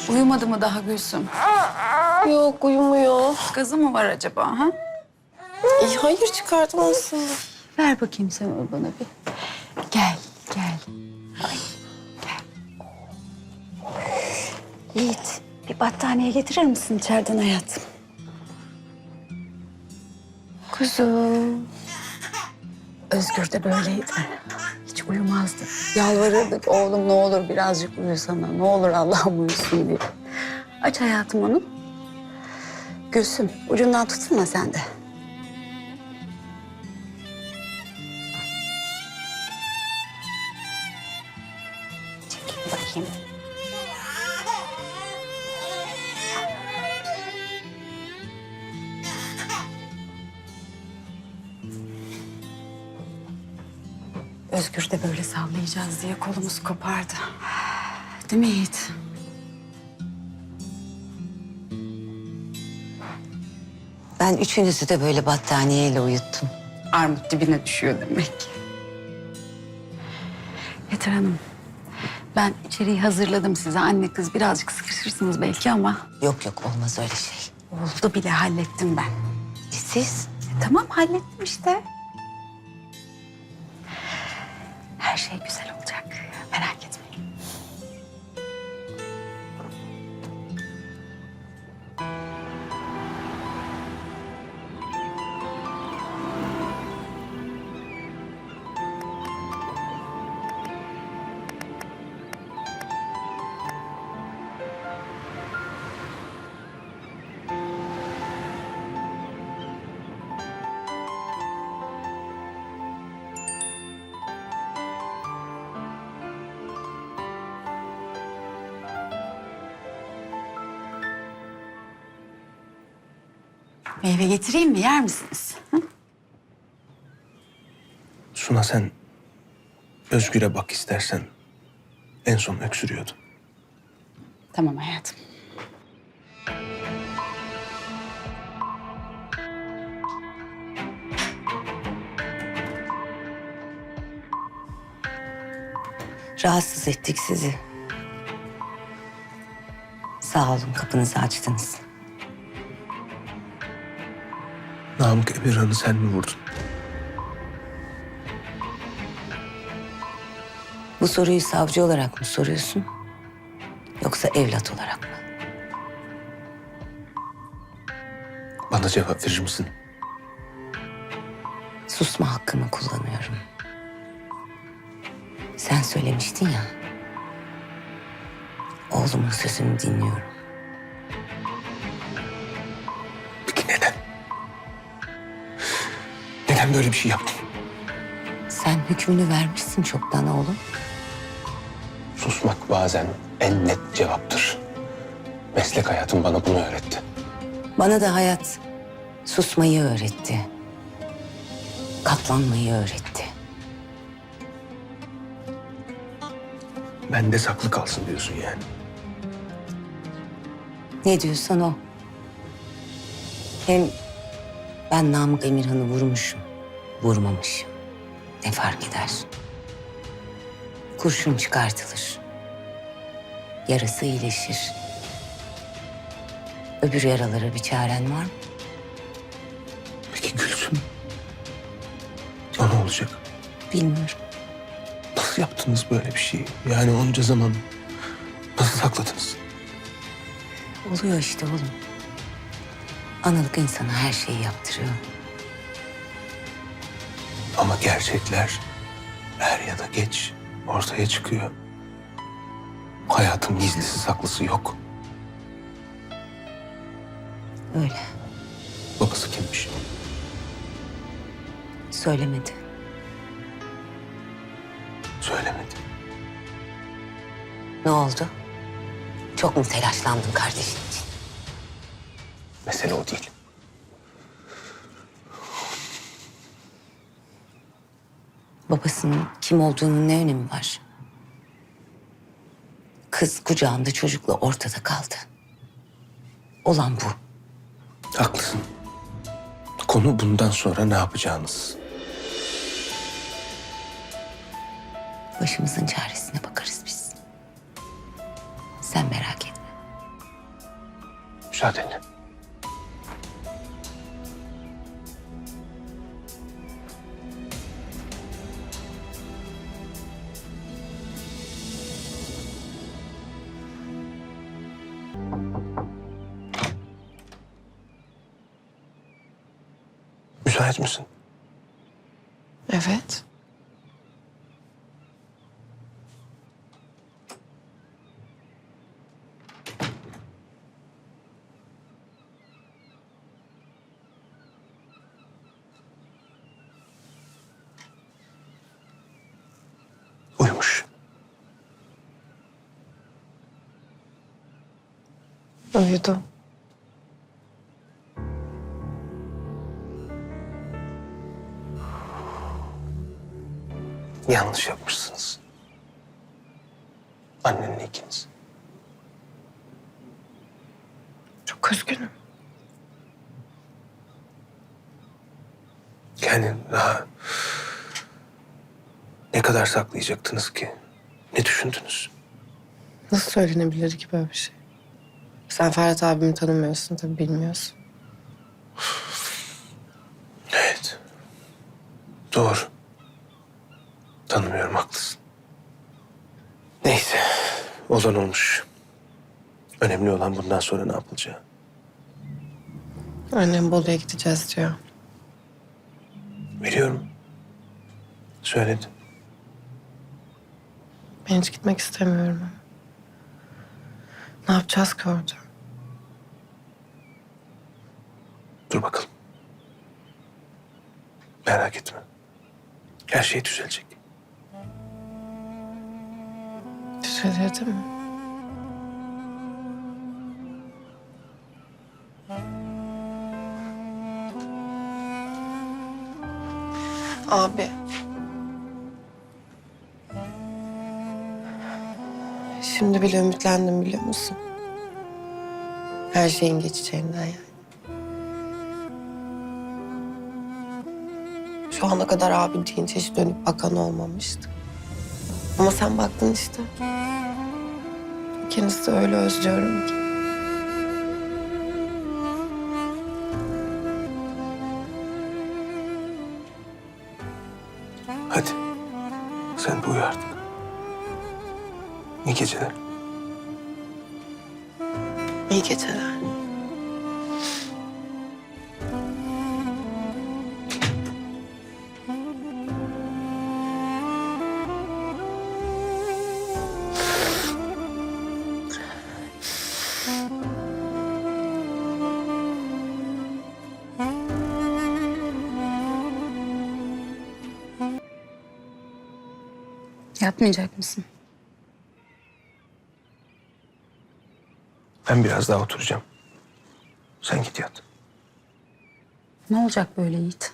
Uyumadı mı daha Gülsüm? Yok, uyumuyor. Gazı mı var acaba ha? Hayır, çıkardım aslında. Ver bakayım sen onu bana bir. Gel, gel. Ay, gel. Yiğit, bir battaniye getirir misin içeriden hayatım? Kuzum. Özgür de böyleydi. Hiç uyumazdı. Yalvarırdık oğlum ne olur birazcık uyusana. Ne olur Allah'ım uyusun diye. Aç hayatım onu. Gülsüm ucundan tutsunma sen de. Çekil bakayım. Özgür de böyle sallayacağız diye kolumuz kopardı. Değil mi Yiğit? Ben üçünüzü de böyle battaniyeyle uyuttum. Armut dibine düşüyor demek ki. Yeter Hanım. Ben içeriği hazırladım size. Anne kız birazcık sıkışırsınız belki ama... Yok yok olmaz öyle şey. Oldu bile hallettim ben. Siz? Tamam hallettim işte. Her şey güzel olacak. Merak etmeyin. Meyve getireyim mi? Yer misiniz? Hı? Suna sen Özgür'e bak istersen. En son öksürüyordu. Tamam hayatım. Rahatsız ettik sizi. Sağ olun kapınızı açtınız. Namık Emirhan'ı sen mi vurdun? Bu soruyu savcı olarak mı soruyorsun? Yoksa evlat olarak mı? Bana cevap verir misin? Susma hakkımı kullanıyorum. Sen söylemiştin ya. Oğlumun sözünü dinliyorum. Peki neden? Neden böyle bir şey yaptın? Sen hükmünü vermişsin çoktan oğlum. Susmak bazen en net cevaptır. Meslek hayatım bana bunu öğretti. Bana da hayat susmayı öğretti. Katlanmayı öğretti. Bende saklı kalsın diyorsun yani. Ne diyorsan o. Hem ben Namık Emirhan'ı vurmuşum, vurmamışım. Ne fark eder? Kurşun çıkartılır. Yarası iyileşir. Öbür yaralara bir çaren var mı? Peki Gülsüm? O ne olacak? Bilmiyorum. Nasıl yaptınız böyle bir şeyi? Yani onca zaman nasıl sakladınız? Oluyor işte oğlum. Analık insana her şeyi yaptırıyor. Ama gerçekler er ya da geç ortaya çıkıyor. Hayatın gizlisi saklısı yok. Öyle. Babası kimmiş? Söylemedi. Söylemedi. Ne oldu? Çok mu telaşlandın kardeşin için? Mesele o değil. Babasının kim olduğunun ne önemi var? Kız kucağında çocukla ortada kaldı. Olan bu. Haklısın. Konu bundan sonra ne yapacağınız. Başımızın çaresine bakarız biz. Sen merak etme. Müsaadenle. Müsait misin? Evet. Uyumuş. Uyudu. Yanlış yapmışsınız. Annenle ikiniz. Çok üzgünüm. Kendini daha ne kadar saklayacaktınız ki? Ne düşündünüz? Nasıl söylenebilir ki böyle bir şey? Sen Ferhat abimi tanımıyorsun tabii, bilmiyorsun. Evet. Doğru. Tanımıyorum, haklısın. Neyse. Olan olmuş. Önemli olan bundan sonra ne yapılacağı. Annem Bolu'ya gideceğiz diyor. Biliyorum. Söyledi. Ben hiç gitmek istemiyorum ama. Ne yapacağız ki orada? Dur bakalım. Merak etme. Her şey düzelecek. Düzelir değil mi? Abi. Şimdi bile ümitlendim, biliyor musun? Her şeyin geçeceğinden yani. Şu ana kadar abi deyince hiç dönüp bakan olmamıştı. Ama sen baktın işte. İkinizi de öyle özlüyorum ki. Hadi. Sen de uyu artık. İyi geceler. İyi geceler. Yatmayacak mısın? Ben biraz daha oturacağım. Sen git yat. Ne olacak böyle Yiğit?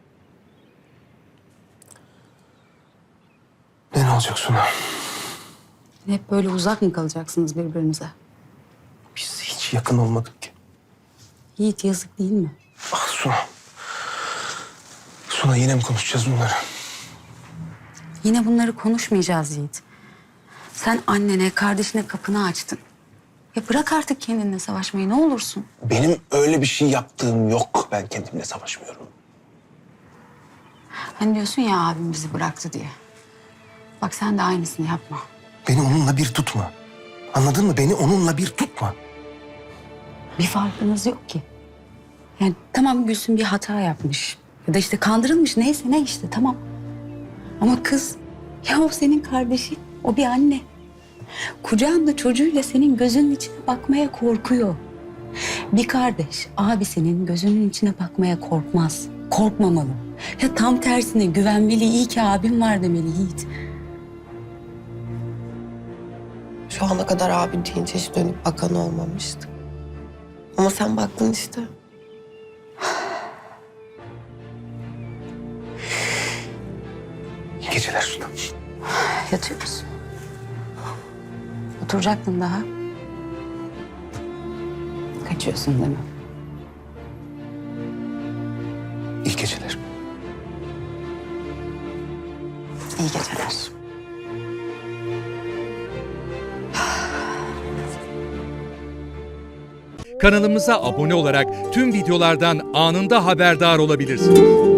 Ne olacak Suna? Hep böyle uzak mı kalacaksınız birbirinize? Biz hiç yakın olmadık ki. Yiğit, yazık değil mi? Ah Suna. Suna, yine mi konuşacağız bunları? Yine bunları konuşmayacağız Yiğit. Sen annene, kardeşine kapını açtın. Ya bırak artık kendinle savaşmayı, ne olursun. Benim öyle bir şey yaptığım yok. Ben kendimle savaşmıyorum. Hani diyorsun ya, abim bizi bıraktı diye. Bak sen de aynısını yapma. Beni onunla bir tutma. Anladın mı? Beni onunla bir tutma. Bir farkınız yok ki. Yani tamam, Gülsüm bir hata yapmış. Ya da işte kandırılmış, neyse ne işte, tamam. Ama kız, ya o senin kardeşin, o bir anne. Kucağında çocuğuyla senin gözünün içine bakmaya korkuyor. Bir kardeş abisinin gözünün içine bakmaya korkmaz. Korkmamalı. Ya tam tersine güvenmeli, iyi ki abim var demeli Yiğit. Şu ana kadar abi deyince hiç dönüp bakan olmamıştı. Ama sen baktın işte. İyi geceler Suna. Yatıyor musun? Oturacaktın daha. Kaçıyorsun değil mi? İyi geceler. İyi geceler. kanalımıza abone olarak tüm videolardan anında haberdar olabilirsiniz.